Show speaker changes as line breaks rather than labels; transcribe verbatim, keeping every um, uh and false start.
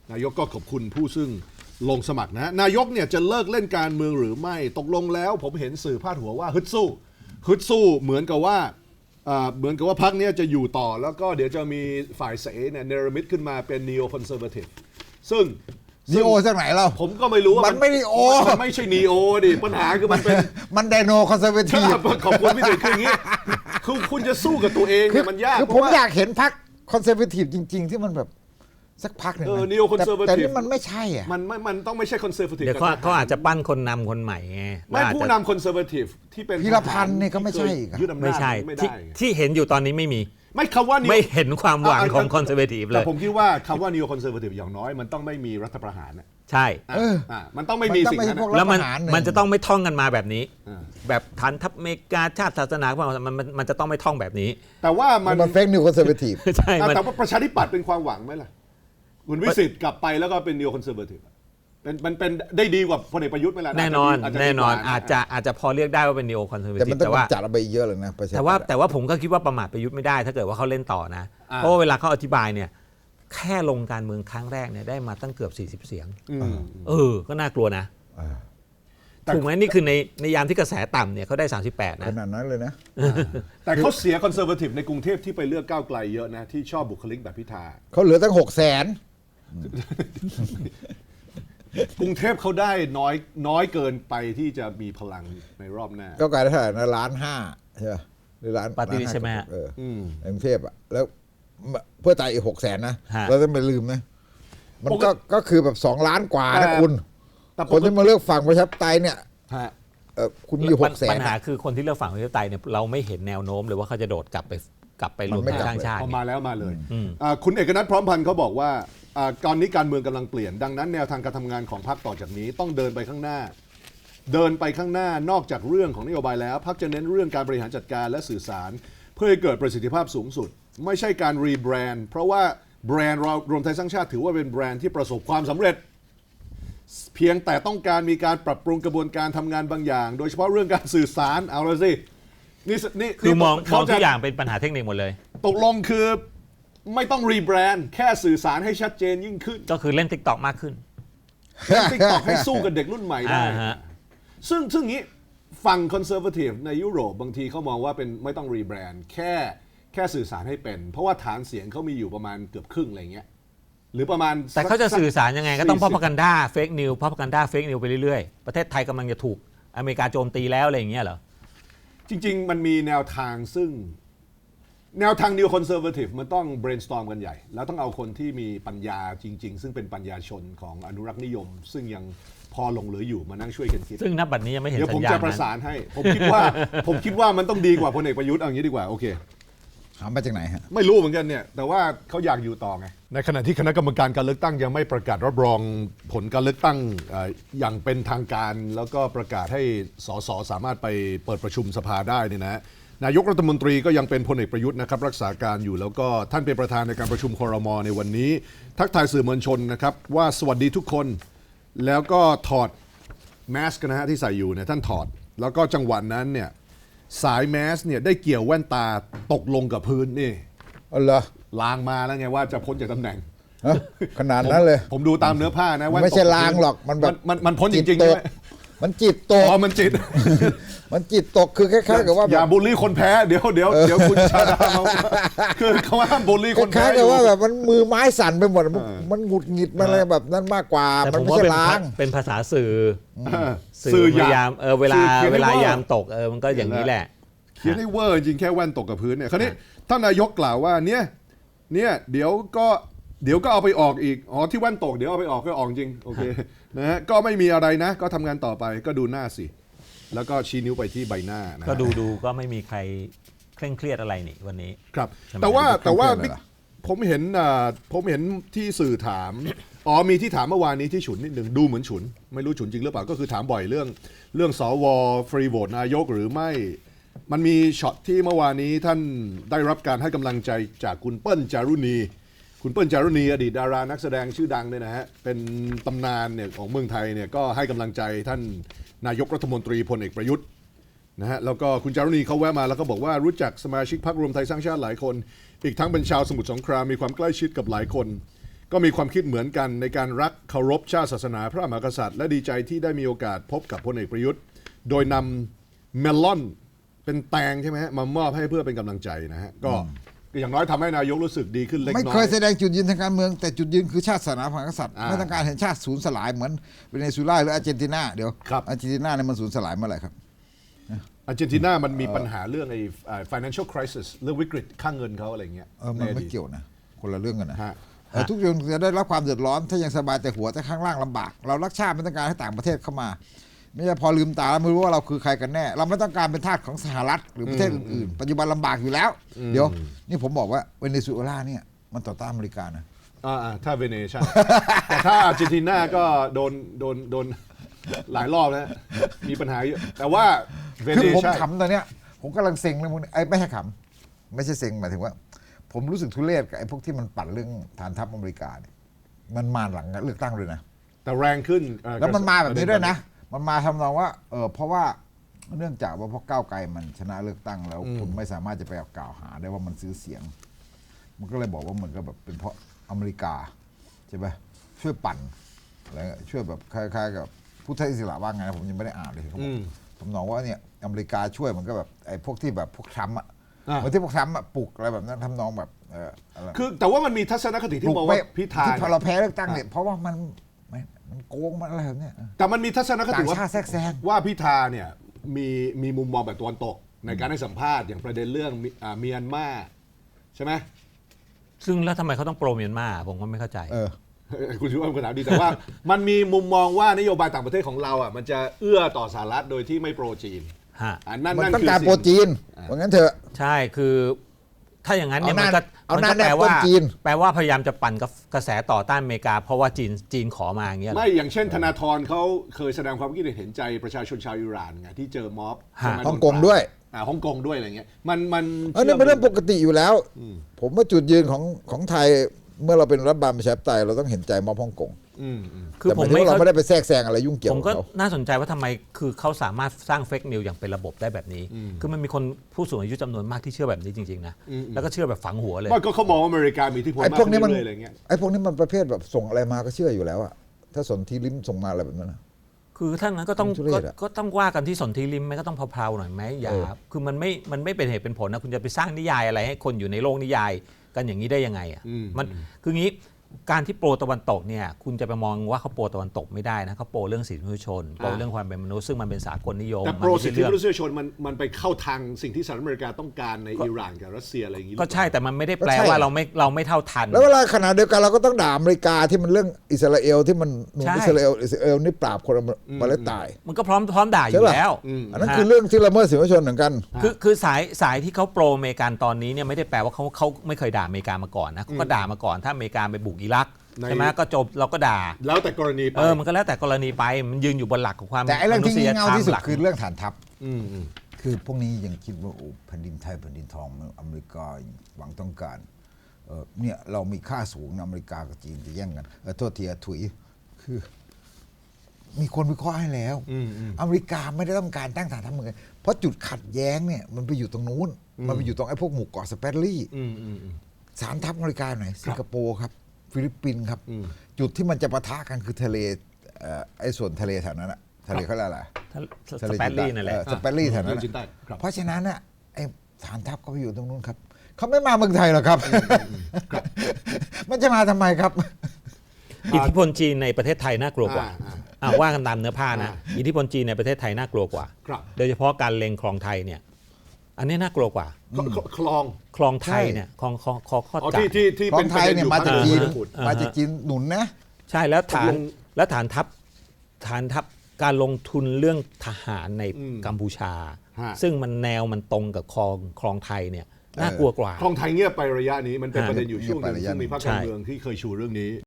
นายกก็ขอบคุณผู้ซึ่งลงสมัครนะนายกเนี่ยจะเลิกเล่นการเมืองหรือไม่ตกลงแล้วผมเห็นสื่อพาดหัวว่าฮึดสู้ฮึดสู้เหมือนกับว่าเหมือนกับว่าพรรคนี้จะอยู่ต่อแล้วก็เดี๋ยวจะมีฝ่ายเสเนี่ยเนรมิตขึ้นมาเป็น neo conservative ซึ่ง
นีโอจากไหนเรา
ผมก็ไม่รู้ว่า
มันไม่นีโอ
มันไม่ใช่นีโอดิปัญหาคือมันเป็น
มันไดโนคอนเซอร์เวทีฟ
ขอบคุณพี่ตุ๋ยคืออย่างนี้คือคุณจะสู้กับตัวเองเนี่ยมันยาก
คือผมอยากเห็นพรรคคอนเซอร์เวทีฟจริงๆที่มันแบบสักพักหนึ่งแต่นี่มันไม่ใช่อ่ะ
มันไม่มันต้องไม่ใช่คอนเซอร์เวทีฟ
เดี๋ยวเขาอาจจะปั้นคนนำคนใหม่ไง
ไม่ผู้นำคอนเซอร์เวทีฟที่เป็น
พีรพันธ์เนี่ยก็ไม่ใช่
ไม่ใช่ที่เห็นอยู่ตอนนี้ไม่มี
ไม่คำว่า
ไม่เห็นความหวังของคอนเซอร์เวทีฟเลย
แต่ผมคิดว่าคำว่า neo conservative อย่างน้อยมันต้องไม่มีรัฐประหารนะ
ใช่
มันต้องไม่มีสิ่งนั้น
แล้วมันมันจะต้องไม่ท่องกันมาแบบนี้แบบฐานทัพอเมริกาชาติศาสนามันมันมันจะต้องไม่ท่องแบบนี้
แต่ว่ามัน
มันเฟกนิวคอนเซอร์เวทีฟ
ใช่
แต่ว่าประชาธิปัตย์เป็นความหวังไหมล่ะคุณวิสิทธิ์กลับไปแล้วก็เป็น neo conservative เป็นมันเป็นได้ดีกว่าพลเอกประยุทธ์ไหมล่ะ
แน่นอนแน่นอนอาจจะอาจจะพอเรียกได้ว่าเป็น neo conservative
แต่มันต้องจัดระเบียบเยอะเลยนะ
แต่ว่าแต่ว่าผมก็คิดว่าประมาทประยุทธ์ไม่ได้ถ้าเกิดว่าเขาเล่นต่อนะเพราะว่าเวลาเขาอธิบายเนี่ยแค่ลงการเมืองครั้งแรกเนี่ยได้มาตั้งเกือบสี่สิบเสียงเออก็น่ากลัวนะถูกไหมนี่คือในในยามที่กระแสต่ำเนี่ยเขาได้สามสิบแปดนะ
ขนาดนั้นเลยนะ
แต่เขาเสียคอนเซอร์เวทีฟในกรุงเทพที่ไปเลือกก้าวไกลเยอะนะที่ชอบบุคลิกแบบพิธา
เขาเหลือตั้งหกแสน
กรุงเทพเขาได้น้อยน้อยเกินไปที่จะมีพลังในรอบหน้า
ก้าวไกลเท่าไหร่นะล้านห้าใช่ไหมหรือล้าน
ปาร์ตี้ใช่ไหม
เออกรุงเทพอ่ะแล้วเพื่อไทยอีกหกแสนนะเราต้องไม่ลืมนะมันก็ก็คือแบบสองล้านกว่านะคุณคนที่มาเลือกฝั่งประชาธิปไตยเนี่ยคุณมีหกแสน
ปัญหาคือคนที่เลือกฝั่งประชาธิปไตยเนี่ยเราไม่เห็นแนวโน้มเลยว่าเขาจะโดดกลับไปกลับไปรวมไทยสร้างชาติ
พอมาแล้วมาเลยคุณเอกนัทพร้อมพันธ์เขาบอกว่าตอนนี้การเมืองกำลังเปลี่ยนดังนั้นแนวทางการทำงานของพรรคต่อจากนี้ต้องเดินไปข้างหน้าเดินไปข้างหน้านอกจากเรื่องของนโยบายแล้วพรรคจะเน้นเรื่องการบริหารจัดการและสื่อสารเพื่อให้เกิดประสิทธิภาพสูงสุดไม่ใช่การรีแบรนด์เพราะว่าแบรนด์เรารวมไทยสร้างชาติถือว่าเป็นแบรนด์ที่ประสบความสำเร็จเพียงแต่ต้องการมีการปรับปรุงกระบวนการทำงานบางอย่างโดยเฉพาะเรื่องการสื่อสารเอาละสินี่นี่
คือมองมองทุกอย่างเป็นปัญหาเทคนิคหมดเลย
ตกลงคือไม่ต้องรีแบรนด์แค่สื่อสารให้ชัดเจนยิ่งขึ้น
ก็คือเล่น TikTok มากขึ้น
เล่น TikTok ให้สู้กับเด็กรุ่นใหม่ได้ซึ่งซึ่งนี้ฝั่งคอนเซอร์เวทีฟในยุโรปบางทีเขามองว่าเป็นไม่ต้องรีแบรนด์แค่แค่สื่อสารให้เป็นเพราะว่าฐานเสียงเขามีอยู่ประมาณเกือบครึ่งอะไรเงี้ยหรือประมาณ
แต่เขาจะสื่อสารยังไงก็ต้องพอพกันด้าเฟกนิวพอพกันด้าเฟกนิวไปเรื่อยๆประเทศไทยกำลังจะถูกอเมริกาโจมตีแล้วอะไรอย่างเงี้ยเหรอ
จริงๆมันมีแนวทางซึ่งแนวทาง New Conservative มันต้อง brainstorm กันใหญ่แล้วต้องเอาคนที่มีปัญญาจริงๆซึ่งเป็นปัญญาชนของอนุรักษ์นิยมซึ่งยังพอหลงเหลืออยู่มานั่งช่วยกันคิด
ซึ่งนับบัดนี้ยังไม่เห็น
สัญญาณเดี๋ยวผมจะประสานให้ผมคิดว่าผมคิดว่ามันต้องดีกว่าพลเอกประยุทธ์เอาอย่างนี้ดีกว่าโอเค
ถามมาจากไหนฮะ
ไม่รู้เหมือนกันเนี่ยแต่ว่าเขาอยากอยู่ต่อไงในขณะที่คณะกรรมการการเลือกตั้งยังไม่ประกาศรับรองผลการเลือกตั้งอย่างเป็นทางการแล้วก็ประกาศให้สสสามารถไปเปิดประชุมสภาได้นี่นะนายกรัฐมนตรีก็ยังเป็นพลเอกประยุทธ์นะครับรักษาการอยู่แล้วก็ท่านเป็นประธานในการประชุมครม.ในวันนี้ทักทายสื่อมวลชนนะครับว่าสวัสดีทุกคนแล้วก็ถอดแมสก์นะฮะที่ใส่อยู่เนี่ยท่านถอดแล้วก็จังหวะนั้นเนี่ยสายแมสเนี่ยได้เกี่ยวแว่นตาตกลงกับพื้นนี่
อ๋อเหรอ
ลางมาแล้วไงว่าจะพ้นจากตำแหน่ง
ขนาดนั้นเลย
ผมดูตามเนื้อผ้านะ
ไม่ใช่ลางหรอกมันแบบ
มันมันพ้นจริงๆใช่ไหม
มันจิตตก
อ๋อมันจิต
มันจิตตกคือคล้ายๆกับว่า
อย่าบูลลี่คนแพ้เดี๋ยวเดี๋ยวเดี๋ยวคุณชาดาคือเขาห้ามบูลลี่คนแพ้
คล้ายๆกับว่าแบบมันมือไม้สั่นไปหมดมันหงุดหงิดมันอะไรแบบนั้นมากกว่ามันไม่ใช่ล้าง
เป็นภาษาสื่อสื่อพยายามเออเวลาเวลายามตกเออมันก็อย่างนี้แหละ
เขียนให้เวอร์จริงแค่แว่นตกกับพื้นเนี่ยคราวนี้ท่านนายกกล่าวว่าเนี่ยเนี่ยเดี๋ยวก็เดี๋ยวก็เอาไปออกอีกอ๋อที่แว่นตกเดี๋ยวเอาไปออกก็ออกจริงโอเคนะฮะก็ไม่มีอะไรนะก็ทำงานต่อไปก็ดูหน้าสิแล้วก็ชี้นิ้วไปที่ใบหน้านะ
ก็ดูดูก็ไม่มีใครเคร่งเครียดอะไรนี่วันนี้
ครับแต่ว่าแต่ว่าผมเห็นผมเห็นที่สื่อถามอ๋อมีที่ถามเมื่อวานนี้ที่ฉุนนิดหนึ่งดูเหมือนฉุนไม่รู้ฉุนจริงหรือเปล่าก็คือถามบ่อยเรื่องเรื่องสวฟรีโหวตนายกหรือไม่มันมีช็อตที่เมื่อวานนี้ท่านได้รับการให้กำลังใจจากคุณเปิ้ลจารุณีคุณเปิ้ลจารุณีอดีตดารานักแสดงชื่อดังเนี่ยนะฮะเป็นตำนานเนี่ยของเมืองไทยเนี่ยก็ให้กำลังใจท่านนายกรัฐมนตรีพลเอกประยุทธ์นะฮะแล้วก็คุณจารุณีเขาแวะมาแล้วก็บอกว่ารู้จักสมาชิกพรรครวมไทยสร้างชาติหลายคนอีกทั้งเป็นชาวสมุทรสงครามมีความใกล้ชิดกับหลายคนก็มีความคิดเหมือนกันในการรักเคารพชาติศาสนาพระมหากษัตริย์และดีใจที่ได้มีโอกาสพบกับพลเอกประยุทธ์โดยนำเมลอนเป็นแตงใช่ไหมฮะมามอบให้เพื่อเป็นกำลังใจนะฮะก็อย่างน้อยทำให้นายกรู้สึกดีขึ้นเล็กน้อย
ไม่เคยแสดงจุดยืนทางการเมืองแต่จุดยืนคือชาติศาสนาพระมหากษัตริย์ไม่ต้องการเห็นชาติสูญสลายเหมือนเวเนซุเอลาหรืออาร์เจนตินาเดี๋ยว
ครับ
อาร์เจนตินาเนี่ยมันสูญสลายเมื่อไหร่ครับ
อาร์เจนตินามันมีปัญหาเรื่องไอ้ไอ้ financial crisis เรื่องวิกฤตค่าเงินเขาอะไรเงี้ย
เออมัน
ในอ
ไม่
ดีต
เกี่ยวนะคนละเรื่องกันนะ
ฮะ
เออทุกอย่างจะได้รับความเดือดร้อนถ้ายังสบายแต่หัวแต่ข้างล่างลำบาก เรารักชาติไม่ต้องการให้ต่างประเทศเข้ามา ไม่ใช่พอลืมตาแล้วไม่รู้ว่าเราคือใครกันแน่ เราไม่ต้องการเป็นทาสของสหรัฐหรือประเทศอื่นๆ ปัจจุบันลำบากอยู่แล้ว เดี๋ยวนี่ผมบอกว่าเวเนซุเอลาเนี่ยมันต่อต้านอเมริกานะ
อ่าๆถ้าเวเนใช่ แต่ถ้าอาร์เจนตินาก็โดนโดนโดนหลายรอบแล้วมีปัญหาเยอะแต่ว่าเว
คือ
เน
ผม
ใช่
ขำตอนเนี้ยผมกำลังเซ็งเรื่องพวกนี้ไอ้ไม่ใช่ขำไม่ใช่เซ็งหมายถึงว่า ผมรู้สึกทุเรศกับไอ้พวกที่มันปั่นเรื่องฐานทัพอเมริกาเนี่ยมันมาหลังเลือกตั้งเลยนะ
แต่แรงขึ้นเอ่อ
แล้วมันมาแบบนี้ด้วยนะ มันมาทำนองว่าเออเพราะว่าเนื่องจากว่าพอก้าวไกลมันชนะเลือกตั้งแล้วคุณไม่สามารถจะไปกล่าวหาได้ว่ามันซื้อเสียง มันก็เลยบอกว่าเหมือนกับแบบเป็นเพราะอเมริกาใช่ไหมช่วยปั่นอะไรเงี้ยช่วยแบบคล้ายๆกับผู้ใช้อิสระว่าไงนะผมยังไม่ได้อ่านเลยเขาบอกผมมองว่าเนี่ยอเมริกาช่วยมันก็แบบไอ้พวกที่แบบพวกทรัมป์อ่ะ
อ่า
เหมือนที่พวกทรัมป์อะปลุกอะไรแบบนั้นทำนองแบบเอออะไร
คือแต่ว่ามันมีทัศนคติ
ป
ที่
ลุก
บอก
ไม่
ว่าพิธา
ที่พอ
เนี่ย
เราแพ้เลือกตั้งเนี่ยเพราะว่ามันมันมันโกงมันอะไรแบบเนี้ย
แต่มันมีทัศนคติ
ต่าง
ว่า
ชาติแทรกแซง
ว่าพิธาเนี่ยมีมีมุมมองแบบตะวันตก ในการให้สัมภาษณ์อย่างประเด็นเรื่องมิอ่าเมียนมาใช่ไหม
ซึ่งแล้วทำไมเขาต้องโปรเมียนมาผมก็ไม่เข้าใจ
เออ
คุณชิว่าเป็นคำถามดีแต่ว่า มันมีมุมมองว่านโยบายต่างประเทศของเราอ่ะมันจะเอื้อต่อสหรัฐโดยที่ไม่โปรจีน
ฮะ
อ่านั่น
มัน
นั่น
ต้อง
คือ
การ
สิ่
โปรจีนว่างั้นเถอะ
ใช่คือถ้าอย่างนั้นเนี่ย
เอาห
มั
น้าน
ก็
เอา
มัน
หน้า
ก็แปล
แนบต้
ว่าน
จีน
แปลว่าพยายามจะปั่นกระแสต่อต้านอเมริกา เพราะว่าจีนจีนขอมาอย่างเงี้ยเหรอ
ไม่อย่างเช่นธนาธรเขาเคยแสดงความคิดเห็นใจประชาชนชาวอิหร่านไงที่เจอม็อบ
ฮะ
ใช่ไหม
ฮ่องกงด้วย
อ่าฮ่องกงด้วยอะไรเงี้ยมันมัน
อันนี้เป็นเรื่องปกติอยู่แล้ว ผมว่าจุดยืนของของไทยเมื่อเราเป็นรัฐบาลประชาธิปไตยเราต้องเห็นใจม็อบฮ่องกง
อืมอืม
คือ
แต่
ผม
หายถึง
ไม่
ว่าเรา
เข้า
ไม่ได้ไปแทรกแซงอะไรยุ่งเกี่ยว
ผม
กับ
ก็
เขา
น่าสนใจว่าทำไมคือเขาสามารถสร้างเฟกนิวอย่างเป็นระบบได้แบบนี้ คือมันมีคนผู้สูงอายุจำนวนมากที่เชื่อแบบนี้จริงๆนะแล้วก็เชื่อแบบฝังหัวเลย
ไม่ก็เขามองว่าอเมริกามีอิทธิพล
ไอ้
มาก
พวกนี้
ขึ้น
มัน
เรื่อยๆอะไรเงี้ย
ไอ้พวกนี้มันประเภทแบบส่งอะไรมาก็เชื่ออยู่แล้วอะถ้าสนธิลิ้มส่งมาอะไรแบบนั้นนะ
คือถ้างั้นก็ต้อง
ทุเร
ก็
ศอะ
ก็ต้องว่ากันที่สนธิริมไหมก็ต้องเพลาๆหน่อยไหมอย่า
เออ
คือมันไม่มันไม่เป็นเหตุเป็นผลนะคุณจะไปสร้างนิยายอะไรให้คนอยู่ในโลกนิยายกันอย่างนี้ได้ยังไงอ่ะมันคืองี้การที่โปรตะวันตกเนี่ยคุณจะไปมองว่าเขาโปรตะวันตกไม่ได้นะเขาโปรเรื่องสิทธิมนุษยชนโปรเรื่องความเป็นมนุษย์ซึ่งมันเป็นสากลนิยม
แต่
มั
โปร
ไม่
สิท
ใช่
ธิ
เรื่อง
มนุษยชนมันมันไปเข้าทางสิ่งที่สหรัฐอเมริกาต้องการในอิหร่านกับรัสเซียอะไรอย่างงี้หรือ
ก็
เปล่า
ใช่แต่มันไม่ได้แปล
ก็ใช่
ว่าเราไม่เราไม่เท่าทัน
แล้วเวลาขณะเดียวกันเราก็ต้องด่าอเมริกาที่มันเรื่องอิสราเอลที่มันหนุน
ใช่
อิสราเอลอิสราเอลนี่ปราบคนมาเลสไตน์
มันก็พร้อมพร้อมด่าอ
ใช่
ยู่
ป่ะ
แล้ว
อันนั้น
ฮะ
คือเรื่องที่ละเมิดสิทธิมนุษยชนเหมือนกัน
คือคือสายสายที่เขาโปรอเมริกันตอนนี้เนี่ยไม่ได้แปลว่าเขาเขาไม่เคยด่าอเมริกามาก่อนนะเขาก็ด่ามาก่อนถ้าอเมริกาไปบุกอิรัก
ใน
ใช่ไหมก็จบเราก็ด่า
แล้วแต่กรณีไป
เออมันก็แล้วแต่กรณีไปมันยืนอยู่บนหลักของความ
แต่ไอ้เรื่องที่
มนุษ
งี่
ย
เง่า
ธรรม
ที่สุด
หลัก
คือเรื่องฐานทัพ
อืมอืม
คือพวกนี้ยังคิดว่าโอ้แผ่นดินไทยแผ่นดินทองอเมริกาหวังต้องการเออเนี่ยเรามีค่าสูงนะอเมริกากับจีนจะแย่งกันเออโทษทีอะถุยคือ มีคนวิเคราะห์ให้แล้ว
อืมอืม
อเมริกาไม่ได้ต้องการตั้งฐานทัพเมืองเพราะจุดขัดแย้งเนี่ยมันไปอยู่ตรงนู้น มันไปอยู่ตรงไอ้พวกหมู่เกาะสเปรลี่
อืมอืมอืม
ฐานทัพอเมริกาไหนสิงคโปร์ครับ ฟิลิปปินส์ครับ
อืม
จุดที่มันจะปะทะกันคือทะเลเอ่อไอ้ส่วนทะเลแถวนั้นอะทะเลเขาเรียกอะไร
สเปรลี่นั่นแหละ
เออสเปรลี่แถวนั้น
ทะเลจีนใต้
อะ
ครับ
เพราะฉะนั้นน่ะไอ้ฐานทัพเขาไปอยู่ตรงนู้นครับเขาไม่มาเมืองไทยหรอกครับ มันจะมาทำไมครับ
อิทธิพลจีนในประเทศไทยน่ากลัวกว่า
อ่า
อ่าว่ากันตามเนื้อผ้านะ
อ่า
อิทธิพลจีนในประเทศไทยน่ากลัวกว่า
ครับ
โดยเฉพาะการเล็งคลองไทยเนี่ย อันนี้น่ากลัวกว่า
คคคลอง
คลองไทยเนี่ยคลองคลองคลองข้อ
อ๋อ
จั
ที่
กร
ที่ที่
ขอ
เป็
ง
น
ไทยเนี่ยมาจาก
ประ
จี
ด็
น
อยู่ภค
อ่า
มาจากจีนหนุนนะ
ใช่แล้วฐาน
ตกลง
แล้วฐานทัพฐานทัพการลงทุนเรื่องทหารใน
อืม
กัมพูชา
ฮะ
ซึ่งมันแนวมันตรงกับคลองคลองไทยเนี่ยน่ากลัวกว่า
คลองไทยเงียบไประยะนี้มันเป็น
อ่า
ประเด็นอยู่ช่วงหนึง
เงียบไประยะ
ซึ่งมีพรรค
ใช่
การเมืองที่เคยชูเรื่องนี้